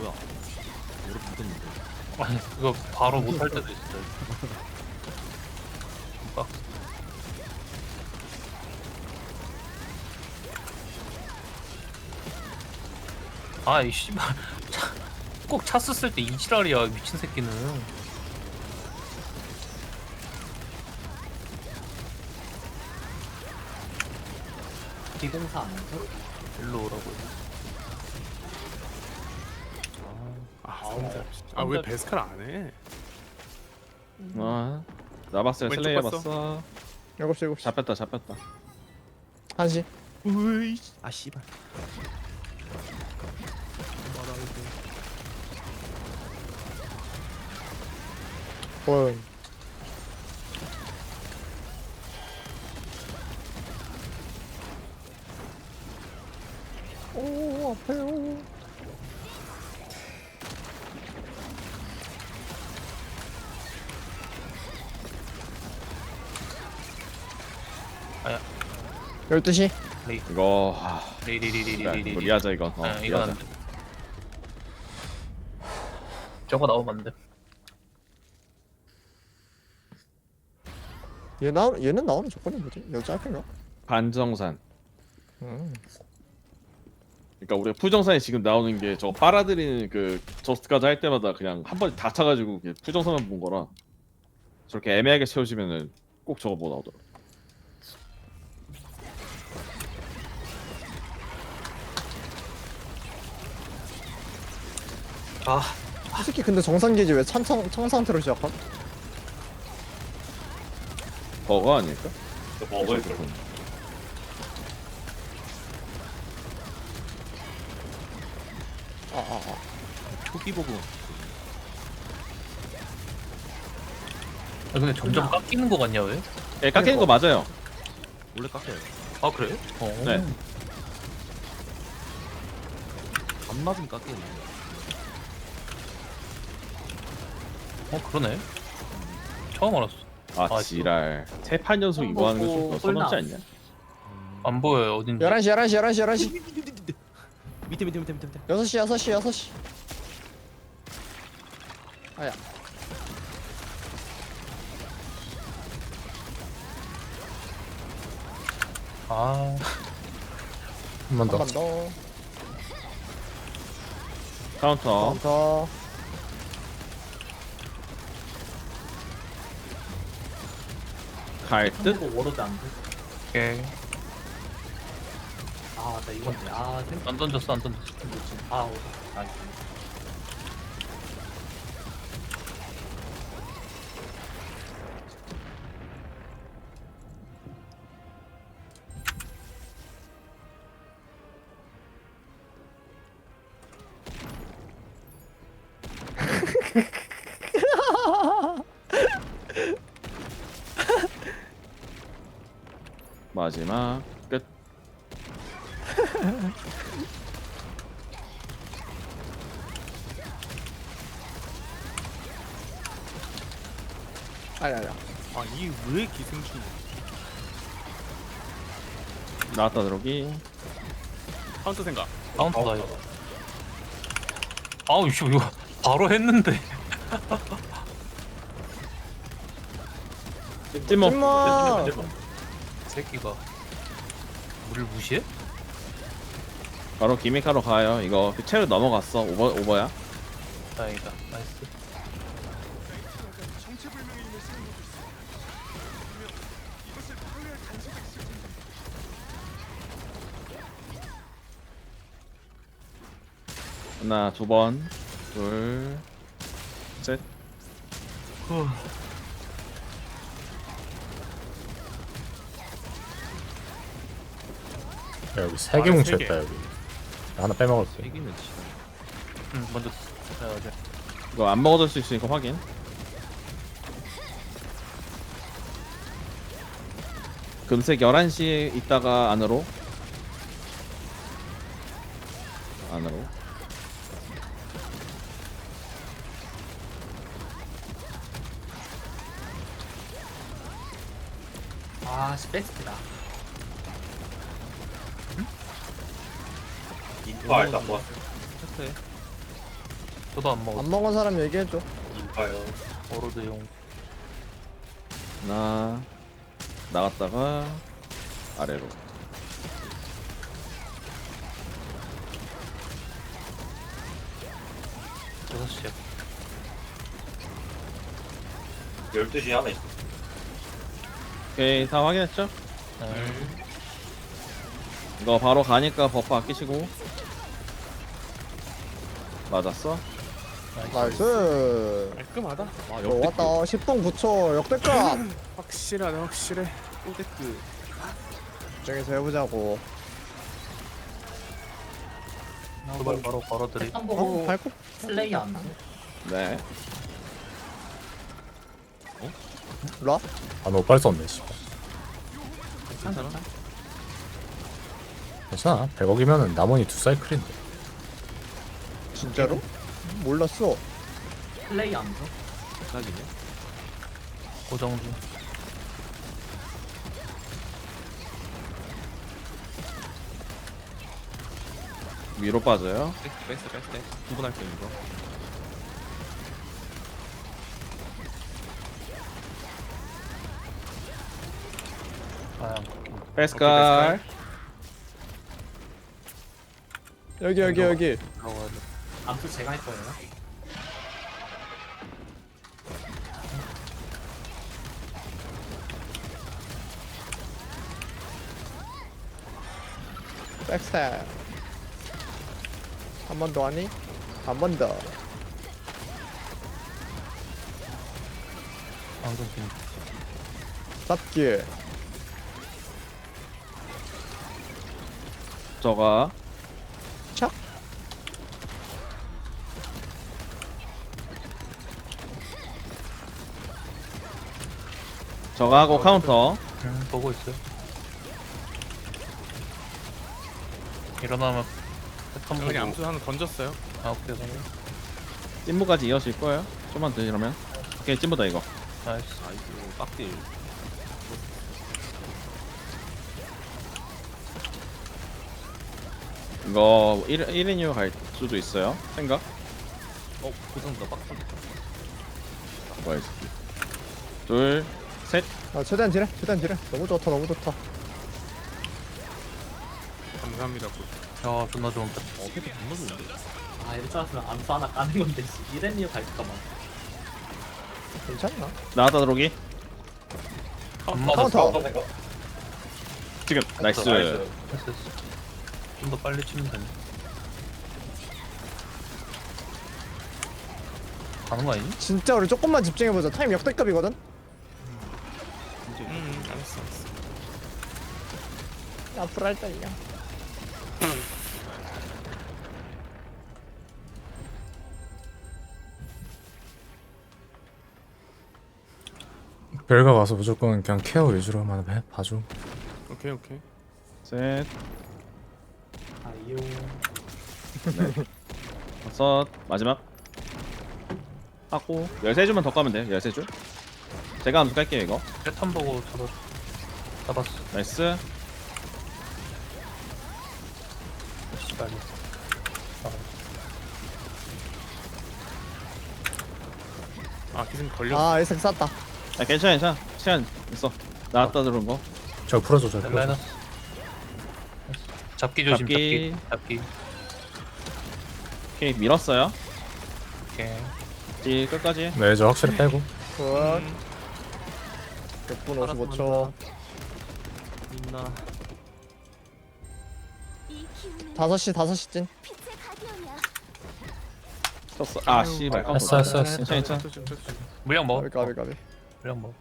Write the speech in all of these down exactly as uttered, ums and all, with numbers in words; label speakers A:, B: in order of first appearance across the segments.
A: 뭐야? 무릎 묻었는데.
B: 아니 이거 바로 못할 때도 있어요. 빡. 아이 씨발 꼭 차 썼을 때 이지랄이야 미친 새끼는.
C: 기공사 안 해서?
B: 일로 오라고.
D: 아, 아 왜 베스칼 안 해?
E: 아 나봤어요.
D: 왼쪽
E: 슬레이
D: 봤어?
E: 봤어.
F: 일곱 시 일곱 시
E: 잡혔다 잡혔다.
F: 한 시.
A: 으이. 아 씨발.
F: 원. 오 아파요.
B: 아야.
F: 열두 시.
E: 이거 아,
B: 리리리리리리리.
E: 무리하자 이거. 어,
B: 아 이건
E: 무리하자.
B: 안 돼. 저거 나오면 안 돼.
F: 얘 나, 얘는 나오는 조건이 뭐지? 여자 짧은가?
E: 반정산.
F: 음.
E: 그러니까 우리가 푸정산이 지금 나오는 게 저거 빨아들이는 그 저스트까지 할 때마다 그냥 한 번에 다 차가지고 그냥 푸정산만 본 거라 저렇게 애매하게 채워지면은 꼭 저거 뭐 나오더라.
B: 아
F: 이 새끼 근데 정상기지 왜 찬청 청상태로 시작함?
E: 버거 아닐까?
B: 먹을
E: 저거.
F: 아아 아.
A: 초기 보고.
B: 아, 근데 점점 깎이는 거 같냐 왜?
E: 예, 깎이는 거 맞아요.
A: 원래 깎여요.
B: 아 그래? 어.
E: 네.
A: 안 맞으면 깎이는.
B: 어 그러네. 처음 알았어.
E: 아
B: 아,
E: 지랄. 세 판 연속 이거 하는 거 좀 더 서럽지 않냐?
B: 안 보여요 어딘지.
F: 열한 시 열한 시 열한 시 열한 시.
A: 밑에 밑에 밑에 밑에 밑에.
F: 여섯 시 여섯 시 여섯 시. 아야.
B: 아. 한 번
F: 한
B: 더.
F: 번 더.
E: 카운터.
F: 카운터.
E: 갈 듯?
C: 거 워로드 안 돼?
B: 오케이.
C: 아, 나 이건데. 아, 생각
B: 안 던졌어 안 던졌어.
C: 못지. 아, 오. 나이스.
E: 마지막 끝.
F: 아야 아야.
D: 아이 왜 기생충?
E: 나왔다 들어오기.
D: 카운터 생각.
B: 카운터다 이거. 아우 씨 이거 바로 했는데.
E: 찜먹.
F: 찜마.
B: 새끼가 우리를 무시해?
E: 바로 기믹하러 가요. 이거 그 채로 넘어갔어. 오버 오버야.
B: 다행이다. 나이스.
E: 하나 두 번, 둘, 셋.
G: 야, 여기 세 개
D: 아,
G: 뭉쳐
D: 세 개.
G: 있다 여기. 나 하나 빼먹었어.
A: 이기면 지.
B: 응 먼저. 자 이제.
E: 이거 안 먹어줄 수 있으니까 확인. 금색 열한 시에 있다가 안으로. 안으로.
C: 아, 씨, 베스트다.
A: 아 일단 뭐. 체크해.
B: 저도 안 먹었어.
F: 안 먹은 사람 얘기해줘.
C: 이봐요.
B: 오로드용.
E: 나 나갔다가 아래로.
B: 여섯 시에.
C: 열두 시에 하나 있어.
E: 오케이 다 확인했죠?
B: 네.
E: 이거 바로 가니까 버프 아끼시고. 맞았어?
F: 나이스.
D: 깔끔하다.
A: 아
F: 어, 왔다. 십 분 구 초 역대급.
D: 확실하네 확실해.
A: 꼬데크.
F: 저기서 해보자고.
B: 도발 바로 걸어드리.
C: 한
F: 어?
C: 보고
F: 발코?
C: 슬레이 안 돼.
E: 네.
F: 일로와.
G: 아 너무 빨리 썼네 씨.
A: 괜찮아?
G: 괜찮아. 백억이면은 남원이 두 사이클인데.
F: 진짜로? 몰랐어.
C: 슬레이 안 돼.
A: 딱이네.
B: 고정 중.
E: 위로 빠져요.
A: 뺐어 뺐어 뺐어. 구분할 때 이거.
B: 아,
E: 베스칼.
F: 여기 여기 여기.
B: 들어가야 돼.
C: 암수 제가 할 거예요.
F: 백스텝. 한 번 더 하니? 한 번 더.
B: 방금 빈.
F: 잡기.
E: 저가
F: 착.
E: 저가 하고 카운터.
B: 음, 보고 있어요. 일어나면 패턴 보고.
D: 그냥 암수 하나 던졌어요.
B: 아, 오케이, 오케이.
E: 찐무까지 이어질 거예요. 좀만 더 이러면. 오케이 찐무다 이거.
B: 나이스.
A: 나이스. 빡딜.
E: 이거 일, 일 인 이후 갈 수도 있어요. 생각?
A: 어 고정다 빡딜.
E: 뭐야 이 새끼. 둘, 셋.
F: 아 최대한 딜해. 최대한 딜해. 너무 좋다. 너무 좋다.
D: 감사합니다.
B: 야, 존나 좋은 패.
A: 어 패드 겁나 좋은데.
C: 아 이럴 줄 알았으면 암수 하나 까는 건데 씨. 이랬니요 갈까봐.
F: 괜찮나?
E: 나왔다 들어오기.
B: 안
F: 카운터.
B: 맞았어.
E: 지금 나이스.
B: 됐어, 됐어. 좀 더 빨리 치면 되네. 가는 거 아니니?
F: 진짜 우리 조금만 집중해보자. 타임 역대급이거든.
D: 음 알았어 알았어.
F: 앞으로 할 때야.
G: 벨가 와서 무조건 그냥 케어 위주로만 해 봐줘.
D: 오케이 오케이.
E: 셋,
C: 아이요.
E: 다섯, 마지막. 하고 열세 줄만 더 까면 돼요. 열세 줄. 제가 암수 깔게요 이거.
B: 패턴 보고 잡았, 잡았어.
E: 나이스.
B: 씨발.
D: 아 기승 걸렸어.
F: 아 에이색 쌌다.
E: 아 괜찮아 괜찮아. 시간 있어. 나왔다 들어온 거.
G: 저 풀어줘 저 풀어줘.
B: 마이너스. 잡기 조심,
E: 잡기.
B: 잡기. 잡기.
E: 오케이 밀었어요.
B: 오케이.
E: 딜 끝까지.
G: 네, 저 확실히 빼고.
F: 굿. 육 분 오십오 초.
A: 있나?
F: 다섯 시 다섯 시 찐.
E: 쳤어. 아 씨발.
G: 했어 했어 했어.
E: 괜찮아 괜찮아.
B: 물량 먹어.
F: 가비 가비 가비.
B: 물량 먹어.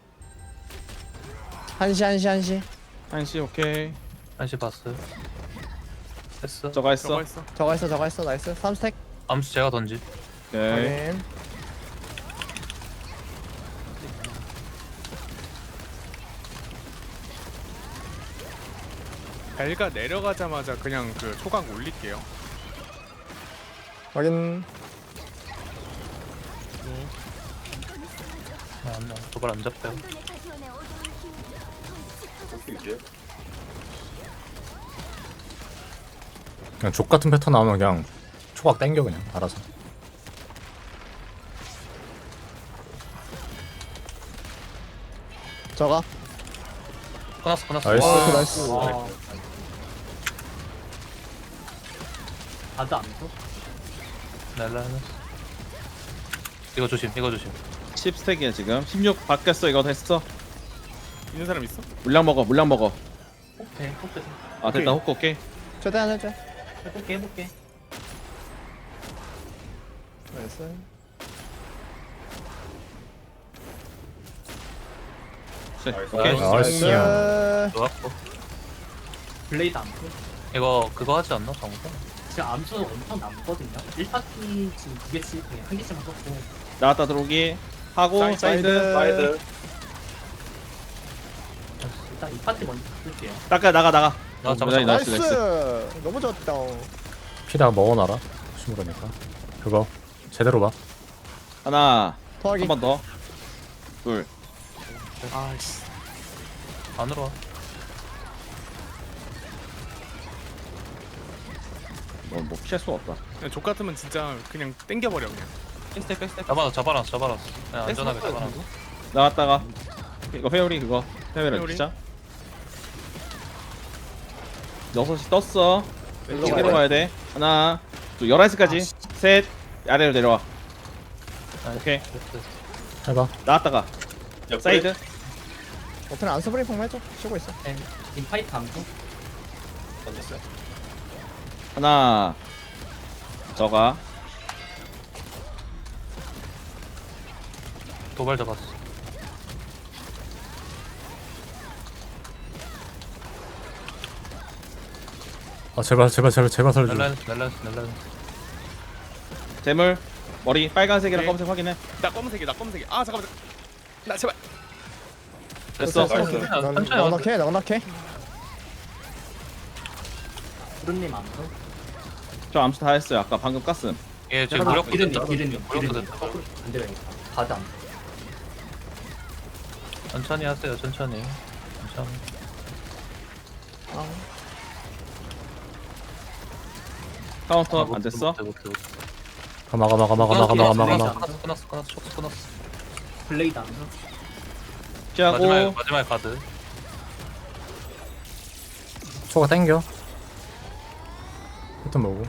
F: 한 시 한 시 한 시.
E: 한시 오케이.
B: 한시 봤어요. 됐어.
E: 저가 했어.
D: 저거 했어.
F: 저거 했어 저거 했어 나이스. 삼 스택.
B: 암수 제가 던지.
E: 오케이.
F: 확인.
D: 벨가 내려가자마자 그냥 그 초각 올릴게요.
F: 확인.
B: 아, 안 나. 도발 안 잡혀요.
G: 그냥 족 같은 패턴 나오면 그냥 초각 땡겨 그냥 알아서.
F: 저가.
B: 끊었어 끊었어.
G: 나이스.
B: 와.
F: 나이스.
C: 와. 아드 암수?
B: 날라. 이거 조심 이거 조심.
E: 십 스택이야 지금. 십육 바뀌었어. 이거 됐어.
D: 있는 사람 있어?
E: 물량 먹어. 물량 먹어.
C: 오케이 오케이
E: 아 됐다. 호크 오케이.
F: 최대한 해줘.
C: 해볼게 해볼게.
F: 나이스.
E: 오케이.
G: 나이스.
F: 나이스.
B: 좋았고.
C: 블레이드 암수?
B: 이거 그거 하지 않나 방금?
C: 지금 암수 엄청 남거든요. 일 파티 지금 두 개씩 그냥 한 개씩만 썼고.
E: 나왔다 들어오기 하고
D: 사이드,
E: 사이드.
F: 사이드.
C: 일단 이 파티 먼저 쓸게요.
E: 나가 나가 나가.
B: 나
E: 어,
B: 잡았어.
E: 나이스,
F: 나이스. 너무 좋았다.
G: 피다 먹어놔라. 심으라니까. 그거 제대로 봐.
E: 하나.
F: 토하기.
E: 한 번 더. 둘.
D: 아씨.
B: 안으로 와.
E: 뭐, 뭐 피할 수가 없다.
D: 그냥 족 같으면 진짜 그냥 땡겨버려 그냥.
A: 펜스택 펜스택.
B: 잡아놨어 잡아놨어 잡아놨어. 그냥 안전하게
A: 펜스
B: 잡아놨어.
E: 나왔다가 이거 회오리 그거 회오리
D: 회오리?
E: 진짜. 여섯 시 떴어.
F: 일로
E: 시계로
F: 가야
E: 가야 돼. 하나, 둘, 열한 시까지. 셋, 아래로 내려와.
B: 나이스.
E: 오케이.
G: 해봐.
E: 나왔다가 사이드.
F: 어떻게 안 스브링 폼 해줘. 쉬고 있어.
C: 네. 인파이트 암수?
A: 던졌어요.
E: 하나. 저가.
B: 도발 잡았어.
G: 아 제발 제발 제발 제발 살려줘.
B: 날라 날라 날라.
E: 재물. 머리 빨간색이랑
D: 오케이.
E: 검은색 확인해.
D: 나 검은색이 나 검은색이. 아 잠깐만. 나 제발.
E: 됐어.
B: 천천히
F: 넉넉해 넉넉해.
C: 구름님 암수?
E: 저 암수 다 했어요. 아까 방금 깠음.
B: 얘 지금
C: 잠깐만,
B: 무력
C: 기름이
B: 됐다.
C: 기름이
B: 무력
C: 기름이
B: 됐다.
C: 거꾸로 안 되겠다. 바드 암수.
B: 천천히 하세요 천천히. 천천히.
F: 아,
E: 카운터
B: 아, 못-
E: 안 됐어.
B: 못해, 못해, 못해.
G: 가마 가마 가마 가마 가마 가마 가마.
B: 끊었어 끊었어 끊었어 촉수 끊었어.
C: 블레이드 암수?
E: 피하고
B: 마지막 마지막 카드.
G: 초가 땡겨. 일단 먹고.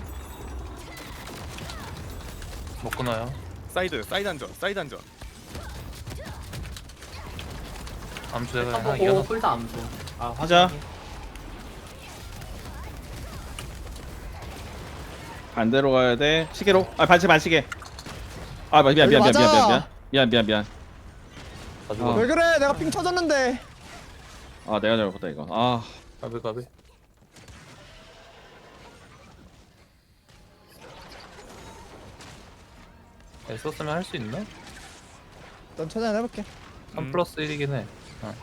B: 못 끊어요.
D: 사이드 사이드 안전 사이드 안전.
B: 암수 내가 하나
C: 턴보고
B: 이겨놨어.
C: 풀다 암수. 아
E: 하자.
C: 확인.
E: 반대로 가야 돼. 시계로. 아 반시 반시계. 아 미안 미안 미안 미안
F: 여기
E: 미안
F: 맞아.
E: 미안 미안 미안 미안.
B: 가지고
E: 아.
F: 왜 그래? 내가 핑 터졌는데.
E: 아 내가 잘못했다 이거. 아
B: 가비 가비. 네, 썼으면 할 수 있나?
F: 난 최대한 해볼게.
B: 삼
D: 음.
B: 플러스 일이긴 해. 어.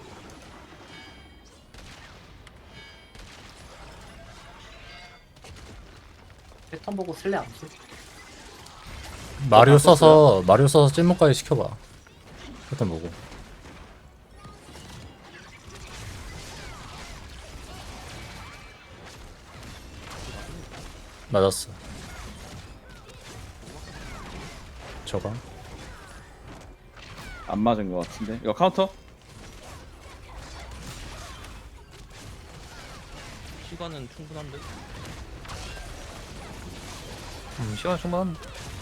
C: 패턴 보고 슬레 암수?
G: 마리오 써서 마리오 써서 찐목까지 시켜봐. 일단 먹고. 맞았어. 저가.
E: 안 맞은 것 같은데. 이거 카운터?
A: 시간은 충분한데.
B: 음, 시간 충분한.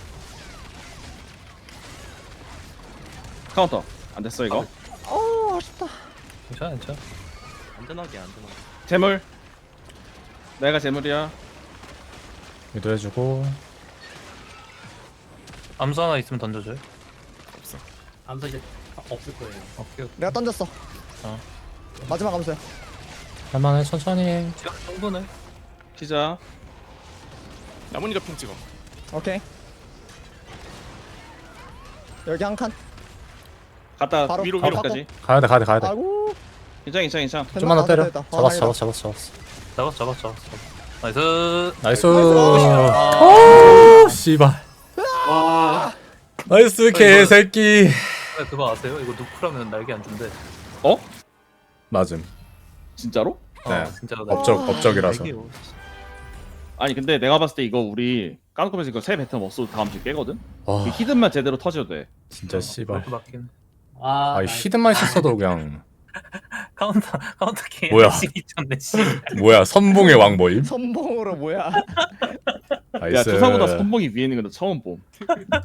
E: 카운터. 안 됐어 이거.
F: 어 아쉽다.
B: 괜찮아 괜찮아.
A: 안전하게 안전하게.
E: 재물. 내가 재물이야.
G: 유도해주고.
B: 암수 하나 있으면 던져줘요.
C: 암수 이제 없을 거예요.
B: 오케이 오케이.
F: 내가 던졌어.
B: 어.
F: 마지막 감수야.
G: 할만해 천천히.
B: 시간 충분해.
E: 피자.
D: 나뭇잎 핑 찍어.
F: 오케이. 여기 한 칸.
E: 갔다
F: 바로
D: 위로,
F: 바로
E: 위로까지.
G: 가야돼 가야돼 가야돼.
F: 아이고.
E: 괜찮아 괜찮아 괜찮아.
F: 됐나?
G: 좀만 더
F: 아,
G: 때려.
F: 됐다, 됐다.
G: 잡았어
F: 아,
G: 잡았어 잡았어 잡았어.
B: 잡았어 잡았어 잡았어. 나이스.
G: 나이스.
B: 아,
G: 오 씨발.
C: 와.
G: 나이스 개새끼.
B: 그거 아세요? 이거 누크라면 날개 안 준대.
E: 어?
G: 맞음.
E: 진짜로?
B: 어,
G: 네.
B: 진짜로.
G: 업적 업적이라서.
A: 날개요.
E: 아니 근데 내가 봤을 때 이거 우리 까놓고면서 이거 새 배턴 없어도 다음 주 깨거든?
G: 와
E: 그 히든만 제대로 터져도 돼.
G: 진짜 씨발.
B: 맞긴.
C: 아,
G: 아
C: 나이스.
G: 히든만 있었어도 그냥
B: 카운터 카운터 게임
G: 뭐야?
B: 미쳤네 씨.
G: 뭐야 선봉의 왕 모임?
F: 선봉으로 뭐야?
E: 야
G: 나이스.
E: 투사보다 선봉이 위에 있는 건 처음 봄.